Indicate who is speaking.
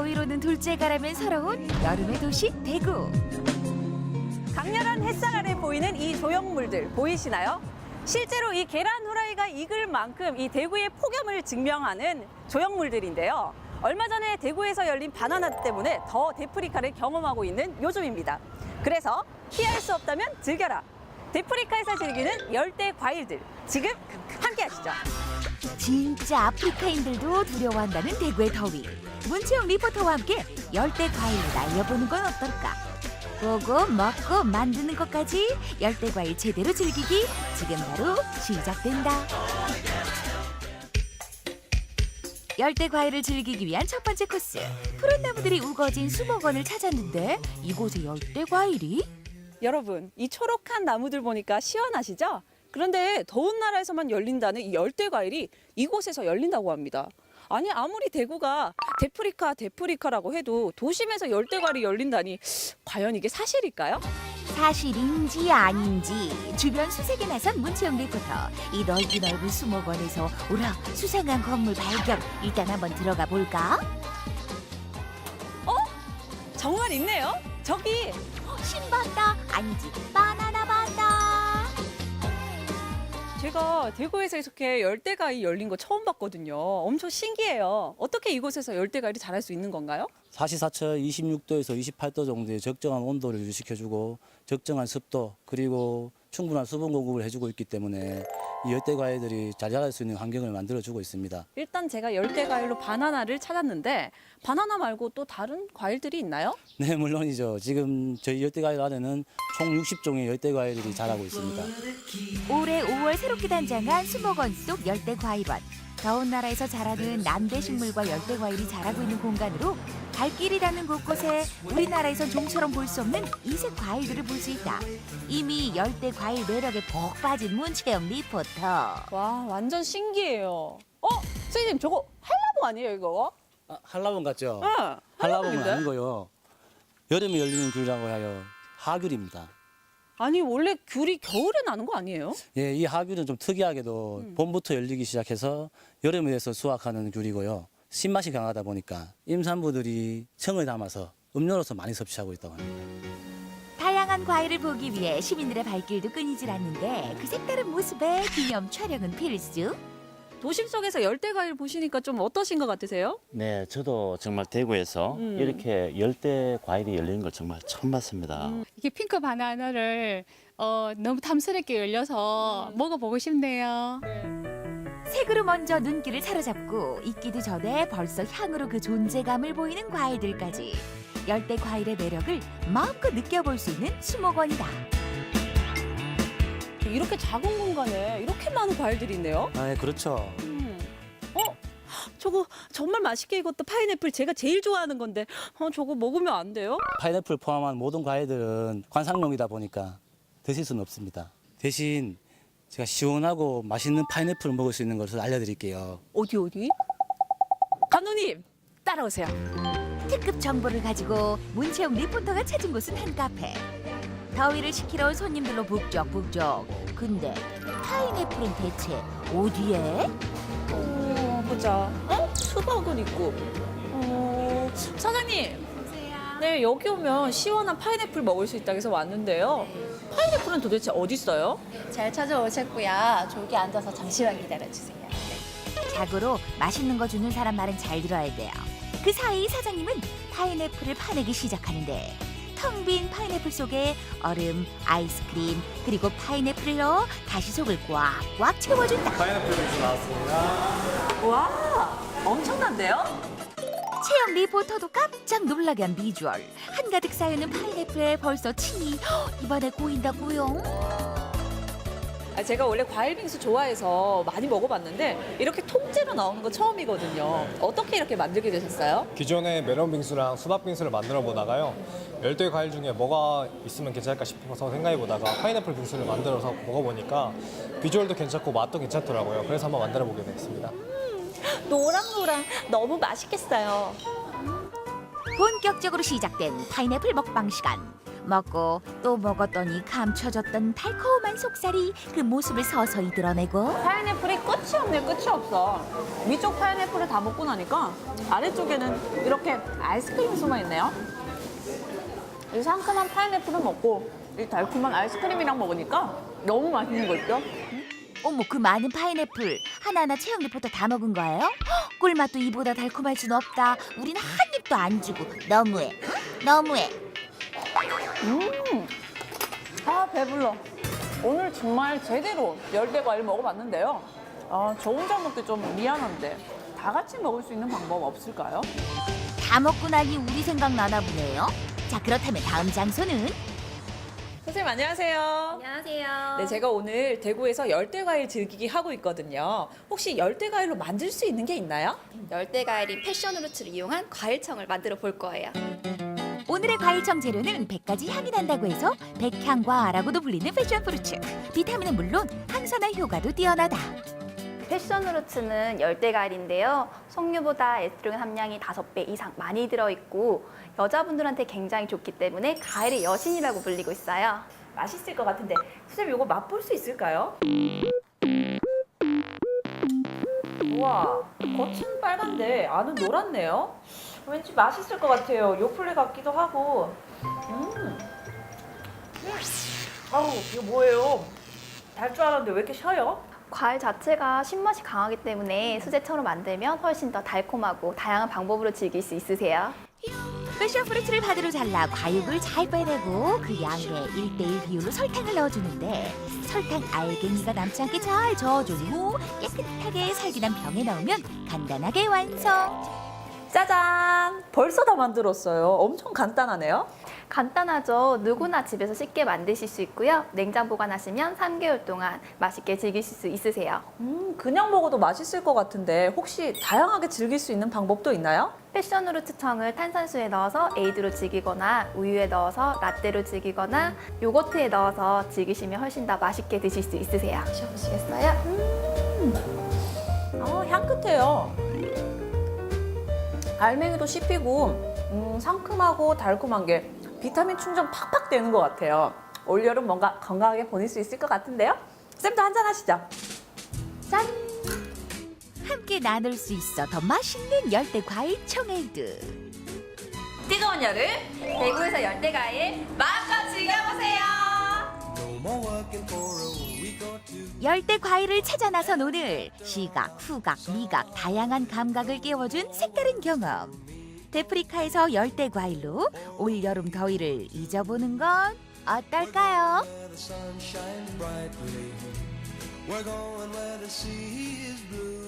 Speaker 1: 더위로는 둘째가라면 서러운 여름의 도시 대구.
Speaker 2: 강렬한 햇살 아래 보이는 이 조형물들 보이시나요? 실제로 이 계란 후라이가 익을 만큼 이 대구의 폭염을 증명하는 조형물들인데요. 얼마 전에 대구에서 열린 바나나 때문에 더 데프리카를 경험하고 있는 요즘입니다. 그래서 피할 수 없다면 즐겨라. 데프리카에서 즐기는 열대 과일들. 지금 함께 하시죠.
Speaker 1: 진짜 아프리카인들도 두려워한다는 대구의 더위. 문채영 리포터와 함께 열대 과일을 날려보는 건 어떨까? 보고 먹고 만드는 것까지 열대 과일 제대로 즐기기 지금 바로 시작된다. 열대 과일을 즐기기 위한 첫 번째 코스. 푸른 나무들이 우거진 수목원을 찾았는데 이곳에 열대 과일이?
Speaker 2: 여러분, 이 초록한 나무들 보니까 시원하시죠? 그런데 더운 나라에서만 열린다는 이 열대 과일이 이곳에서 열린다고 합니다. 아니, 아무리 대구가 데프리카라고 해도 도심에서 열대 과일이 열린다니 과연 이게 사실일까요?
Speaker 1: 사실인지 아닌지 주변 수색에 나선 문채영 리포터. 이 넓은 수목원에서 오라 수상한 건물 발견. 일단 한번 들어가 볼까?
Speaker 2: 정말 있네요. 저기
Speaker 1: 신반다 아니지 바나나 반다.
Speaker 2: 제가 대구에서 이렇게 열대 과일 열린 거 처음 봤거든요. 엄청 신기해요. 어떻게 이곳에서 열대 과일이 자랄 수 있는 건가요?
Speaker 3: 사시사철 26도에서 28도 정도의 적정한 온도를 유지시켜주고 적정한 습도 그리고 충분한 수분 공급을 해주고 있기 때문에 이 열대 과일들이 잘 자랄 수 있는 환경을 만들어주고 있습니다.
Speaker 2: 일단 제가 열대 과일로 바나나를 찾았는데 바나나 말고 또 다른 과일들이 있나요?
Speaker 3: 네, 물론이죠. 지금 저희 열대 과일 안에는 총 60종의 열대 과일들이 자라고 있습니다.
Speaker 1: 올해 5월 새롭게 단장한 수목원 속 열대 과일원. 더운 나라에서 자라는 남대 식물과 열대 과일이 자라고 있는 공간으로 발길이 닿는 곳곳에 우리나라에선 좀처럼 볼 수 없는 이색 과일들을 볼 수 있다. 이미 열대 과일 매력에 복 빠진 문채영 리포터.
Speaker 2: 와, 완전 신기해요. 선생님, 저거 한라봉 아니에요, 이거?
Speaker 3: 한라봉 같죠?
Speaker 2: 응,
Speaker 3: 한라봉은
Speaker 2: 한라봉인데?
Speaker 3: 아니고요. 여름에 열리는 귤이라고 하여 하귤입니다.
Speaker 2: 아니, 원래 귤이 겨울에 나는 거 아니에요?
Speaker 3: 예, 이 하귤은 좀 특이하게도 봄부터 열리기 시작해서 여름에 돼서 수확하는 귤이고요. 신맛이 강하다 보니까 임산부들이 청을 담아서 음료로서 많이 섭취하고 있다고 합니다.
Speaker 1: 다양한 과일을 보기 위해 시민들의 발길도 끊이질 않는데 그 색다른 모습에 기념 촬영은 필수.
Speaker 2: 도심 속에서 열대 과일 보시니까 좀 어떠신 것 같으세요?
Speaker 4: 네, 저도 정말 대구에서 이렇게 열대 과일이 열리는 걸 정말 처음 봤습니다.
Speaker 5: 이게 핑크 바나나를 너무 탐스럽게 열려서 먹어보고 싶네요.
Speaker 1: 색으로 먼저 눈길을 사로잡고 익기도 전에 벌써 향으로 그 존재감을 보이는 과일들까지 열대 과일의 매력을 마음껏 느껴볼 수 있는 수목원이다.
Speaker 2: 이렇게 작은 공간에 이렇게 많은 과일들이 있네요.
Speaker 3: 아, 네, 그렇죠.
Speaker 2: 저거 정말 맛있게 익었다 파인애플 제가 제일 좋아하는 건데 저거 먹으면 안 돼요?
Speaker 3: 파인애플 포함한 모든 과일들은 관상용이다 보니까 드실 수는 없습니다. 대신 제가 시원하고 맛있는 파인애플을 먹을 수 있는 것을 알려드릴게요.
Speaker 2: 어디? 감독님 따라오세요.
Speaker 1: 특급 정보를 가지고 문채영 리포터가 찾은 곳은 한 카페. 더위를 식히러 온 손님들로 북적북적. 근데 파인애플은 대체 어디에?
Speaker 2: 보자. 수박은 있고. 사장님. 네, 여기 오면 시원한 파인애플 먹을 수 있다고 해서 왔는데요. 파인애플은 도대체 어디 있어요?
Speaker 6: 잘 찾아오셨고요. 저기 앉아서 잠시만 기다려주세요.
Speaker 1: 자고로 맛있는 거 주는 사람 말은 잘 들어야 돼요. 그 사이 사장님은 파인애플을 파내기 시작하는데 텅 빈 파인애플 속에 얼음, 아이스크림, 그리고 파인애플을 넣어 다시 속을 꽉꽉 채워준다.
Speaker 7: 파인애플 빙수 나왔습니다.
Speaker 2: 와, 엄청난데요?
Speaker 1: 채영 리포터도 깜짝 놀라게 한 비주얼. 한가득 쌓여있는 파인애플에 벌써 침이 입안에 고인다고요.
Speaker 2: 제가 원래 과일 빙수 좋아해서 많이 먹어봤는데 이렇게 통째로 나오는 거 처음이거든요. 어떻게 이렇게 만들게 되셨어요?
Speaker 7: 기존에 메론 빙수랑 수박 빙수를 만들어 보다가요. 열대 과일 중에 뭐가 있으면 괜찮을까 싶어서 생각해 보다가 파인애플 빙수를 만들어서 먹어보니까 비주얼도 괜찮고 맛도 괜찮더라고요. 그래서 한번 만들어 보게 됐습니다.
Speaker 2: 노랑노랑 너무 맛있겠어요.
Speaker 1: 본격적으로 시작된 파인애플 먹방 시간. 먹고 또 먹었더니 감춰졌던 달콤한 속살이 그 모습을 서서히 드러내고
Speaker 2: 파인애플이 끝이 없네, 끝이 없어. 위쪽 파인애플을 다 먹고 나니까 아래쪽에는 이렇게 아이스크림이 숨어 있네요. 이 상큼한 파인애플을 먹고 이 달콤한 아이스크림이랑 먹으니까 너무 맛있는 거 있죠?
Speaker 1: 어머 그 많은 파인애플 하나하나 채영 리포터 다 먹은 거예요? 헉, 꿀맛도 이보다 달콤할 순 없다. 우린 한 입도 안 주고 너무해. 너무해.
Speaker 2: 아, 배불러. 오늘 정말 제대로 열대 과일 먹어봤는데요. 아, 저 혼자 먹기 좀 미안한데 다 같이 먹을 수 있는 방법 없을까요?
Speaker 1: 다 먹고 나니 우리 생각 나나 보네요. 자 그렇다면 다음 장소는
Speaker 8: 선생님 안녕하세요.
Speaker 6: 안녕하세요.
Speaker 8: 네, 제가 오늘 대구에서 열대과일 즐기기 하고 있거든요. 혹시 열대과일로 만들 수 있는 게 있나요?
Speaker 6: 열대과일인 패션후르츠를 이용한 과일청을 만들어 볼 거예요.
Speaker 1: 오늘의 과일청 재료는 100가지 향이 난다고 해서 백향과라고도 불리는 패션프루츠. 비타민은 물론 항산화 효과도 뛰어나다.
Speaker 6: 패션후르츠는 열대과일인데요. 석류보다 에스트로겐 함량이 5배 이상 많이 들어있고 여자분들한테 굉장히 좋기 때문에 과일의 여신이라고 불리고 있어요.
Speaker 8: 맛있을 것 같은데 선생님 이거 맛볼 수 있을까요? 우와, 겉은 빨간데 안은 노랗네요. 왠지 맛있을 것 같아요. 요플레 같기도 하고. 아우, 이거 뭐예요? 달 줄 알았는데 왜 이렇게 셔요?
Speaker 6: 과일 자체가 신맛이 강하기 때문에 수제처럼 만들면 훨씬 더 달콤하고 다양한 방법으로 즐길 수 있으세요.
Speaker 1: 패션프루츠를 바디로 잘라 과육을 잘 빼내고 그 양의 1:1 비율로 설탕을 넣어주는데 설탕 알갱이가 남지 않게 잘 저어준 후 깨끗하게 살균한 병에 넣으면 간단하게 완성.
Speaker 8: 짜잔! 벌써 다 만들었어요. 엄청 간단하네요.
Speaker 6: 간단하죠. 누구나 집에서 쉽게 만드실 수 있고요. 냉장 보관하시면 3개월 동안 맛있게 즐기실 수 있으세요.
Speaker 8: 그냥 먹어도 맛있을 것 같은데 혹시 다양하게 즐길 수 있는 방법도 있나요?
Speaker 6: 패션후르츠청을 탄산수에 넣어서 에이드로 즐기거나 우유에 넣어서 라떼로 즐기거나 요거트에 넣어서 즐기시면 훨씬 더 맛있게 드실 수 있으세요. 드셔보시겠어요?
Speaker 8: 향긋해요. 알맹이도 씹히고 상큼하고 달콤한 게 비타민 충전 팍팍 되는 것 같아요. 올여름 뭔가 건강하게 보낼 수 있을 것 같은데요? 쌤도 한잔 하시죠.
Speaker 1: 짠! 함께 나눌 수 있어 더 맛있는 열대 과일 청에이드.
Speaker 6: 뜨거운 여름 대구에서 열대과일 마음껏 즐겨보세요.
Speaker 1: 열대 과일을 찾아 나선 오늘 시각, 후각, 미각 다양한 감각을 깨워준 색다른 경험. 데프리카에서 열대 과일로 올 여름 더위를 잊어보는 건 어떨까요?
Speaker 9: We're going where the sea is blue.